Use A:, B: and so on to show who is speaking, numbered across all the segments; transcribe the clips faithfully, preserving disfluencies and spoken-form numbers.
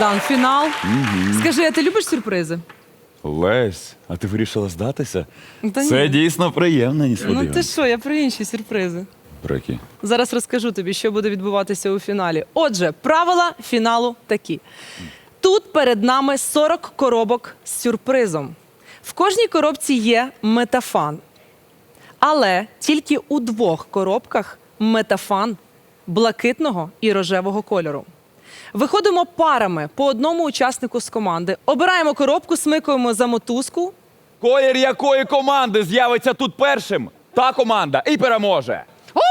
A: Богдан, фінал. Скажи, а ти любиш сюрпризи?
B: Лесь, а ти вирішила здатися?
A: Та
B: Це
A: ні.
B: дійсно приємно,
A: Ну ти
B: несподівано.
A: що, я про інші сюрпризи.
B: Про які?
A: Зараз розкажу тобі, що буде відбуватися у фіналі. Отже, правила фіналу такі. Тут перед нами сорок коробок з сюрпризом. В кожній коробці є метафан. Але тільки у двох коробках метафан блакитного і рожевого кольору. Виходимо парами по одному учаснику з команди, обираємо коробку, смикуємо за мотузку.
B: Колір якої команди з'явиться тут першим, та команда і переможе.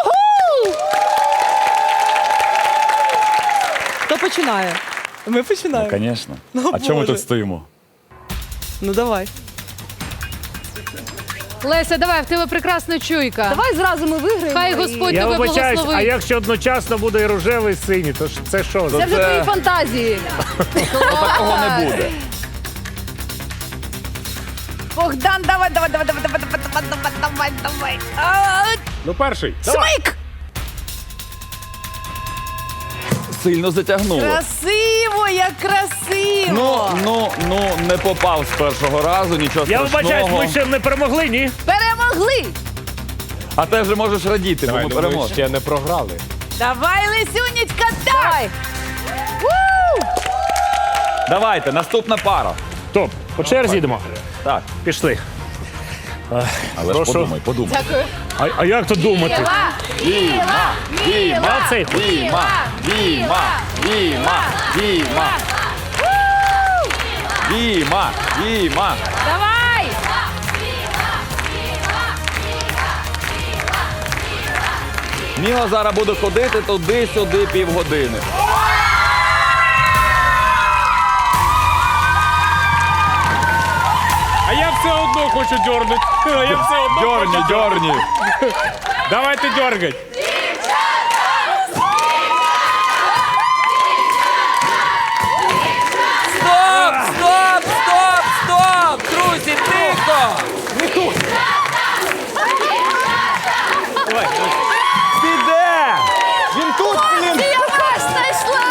A: Хто починає? Ми починаємо.
B: Ну, звісно.
A: Ну,
B: А чому ми
A: Боже.
B: тут стоїмо?
A: Ну давай.
C: Леся, давай, в тебе прекрасна чуйка.
A: Давай зразу ми виграємо.
C: Хай
A: і-
C: Господь
D: Я
C: тебе
D: вибачаюсь, а
C: благословить.
D: якщо одночасно буде і рожевий, і синій, то ж це що?
C: Це вже
B: Це-
C: твої фантазії.
B: Такого не буде.
E: Богдан, давай, давай, давай, давай, давай, давай, давай, давай, давай. А,
D: Ну, перший. Давай.
E: Смик!
B: Сильно затягнуло.
E: Красиво, як красиво!
B: Ну, ну, ну, не попав з першого разу, нічого
D: Я
B: страшного.
D: вибачаюсь, ми ще не перемогли, ні?
E: Перемогли!
B: А ти вже можеш радіти, бо ми переможемо.
D: ще не програли.
E: Давай, Лисюнечка, давай!
B: Давайте, наступна пара.
D: Топ, по черзі йдемо.
B: Так,
D: Пішли.
B: але
D: Прошу.
B: ж подумай, подумай.
C: Дякую.
D: А, а як тут думати?
B: Діма, Діма,
D: Молодці.
B: Діма, Діма, Діма, Діма. Діма, Діма.
E: Давай!
B: Міла зараз буде ходити туди-сюди півгодини.
D: А я все одно хочу дьорнути. А я все одно
B: Дьорні, дьорні.
D: Давайте дьоргать.
F: Стоп, стоп, стоп, стоп! Друзі, тихо!
B: Піде! Він тут, блін!
E: Я вас знайшла!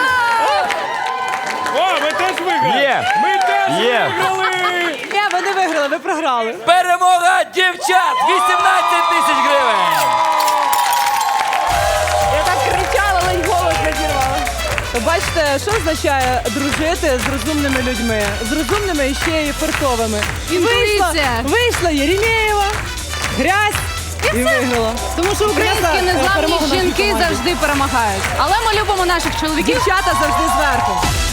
D: О, ми теж виграли.
B: Є,
D: Ми теж
B: є.
D: виграли.
A: Ні, ви не виграли, ви програли.
F: Перемога дівчат! вісімнадцять тисяч гривень!
A: Я так кричала, ледь голос не зірвала. Бачите, що означає дружити з розумними людьми? З розумними і ще й фартовими. І вийшла,
C: Інтуїція.
A: вийшла Єремєєва, грязь і виграла.
C: Тому що українські
A: Принесла, е,
C: незламні
A: перемогу нашій
C: жінки
A: команді.
C: завжди перемагають. Але ми любимо наших чоловіків.
A: Дівчата завжди зверху.